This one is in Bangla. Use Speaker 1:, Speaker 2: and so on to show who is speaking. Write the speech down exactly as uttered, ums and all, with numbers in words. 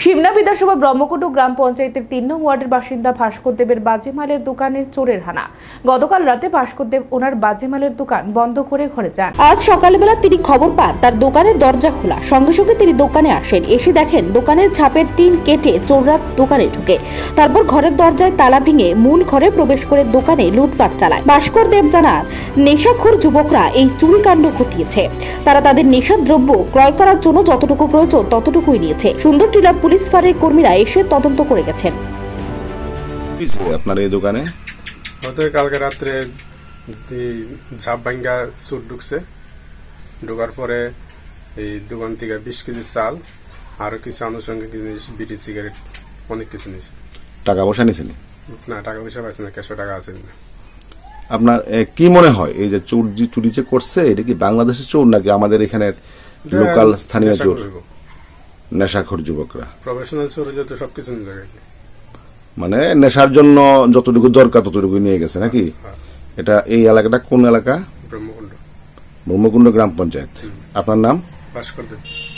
Speaker 1: সিমনা বিধানসভা ব্রহ্মকুণ্ড গ্রাম পঞ্চায়েতের তিন নং ওয়ার্ডের বাসিন্দা ভাস্কর দেবের বাজিমালের দোকানের চোরের হানা। গতকাল রাতে ভাস্কর দেব ওনার বাজিমালের দোকান বন্ধ করে ঘরে যান। আজ সকালবেলা তিনি খবর পান তার দোকানের দরজা খোলা। সঙ্গে সঙ্গে তিনি দোকানে আসেন। এসে দেখেন দোকানের ছাপের টিন কেটে চোররা দোকানে ঢুকে। তারপর ঘরের দরজায় তালা ভেঙে মূল ঘরে প্রবেশ করে দোকানে লুটপাট চালায়। ভাস্কর দেব জানান, নেশাখোর যুবকরা এই চুরিকাণ্ড ঘটিয়েছে। তারা তাদের নেশার দ্রব্য ক্রয় করার জন্য যতটুকু প্রয়োজন ততটুকুই নিয়েছে। সুন্দরটিলা পুলিশ ফাঁড়ির কর্মীরা এসে তদন্ত করে গেছেন।
Speaker 2: আপনার এই দোকানে
Speaker 3: হয়তো কালকে রাত্রে ঝাপ ভাঙ্গা চুর ঢুকছে। ঢোকার পরে এই দোকান থেকে বিশ কেজি চাল আরো কিছু আনুষঙ্গিক জিনিস, বিড়ি, সিগারেট, অনেক কিছু নিয়েছে।
Speaker 2: টাকা পয়সা নিয়েছেন?
Speaker 3: না, টাকা পয়সা পাইছে না, ক্যাশো টাকা আছে না।
Speaker 2: আপনার কি মনে হয় এই যে চোর যে চুরি যে করছে, এটা কি বাংলাদেশের চোর নাকি আমাদের এখানের লোকাল স্থানীয় চোর? নেশাখোর যুবকরা,
Speaker 3: প্রফেশনাল চোর হলে তো সবকিছু নিয়ে যাবে,
Speaker 2: মানে নেশার জন্য যতটুকু দরকার ততটুকু নিয়ে গেছে নাকি? এটা এই এলাকাটা কোন এলাকা?
Speaker 3: ব্রহ্মকুণ্ড
Speaker 2: ব্রহ্মকুণ্ড গ্রাম পঞ্চায়েত। আপনার নাম?
Speaker 3: ভাস্কর দেব।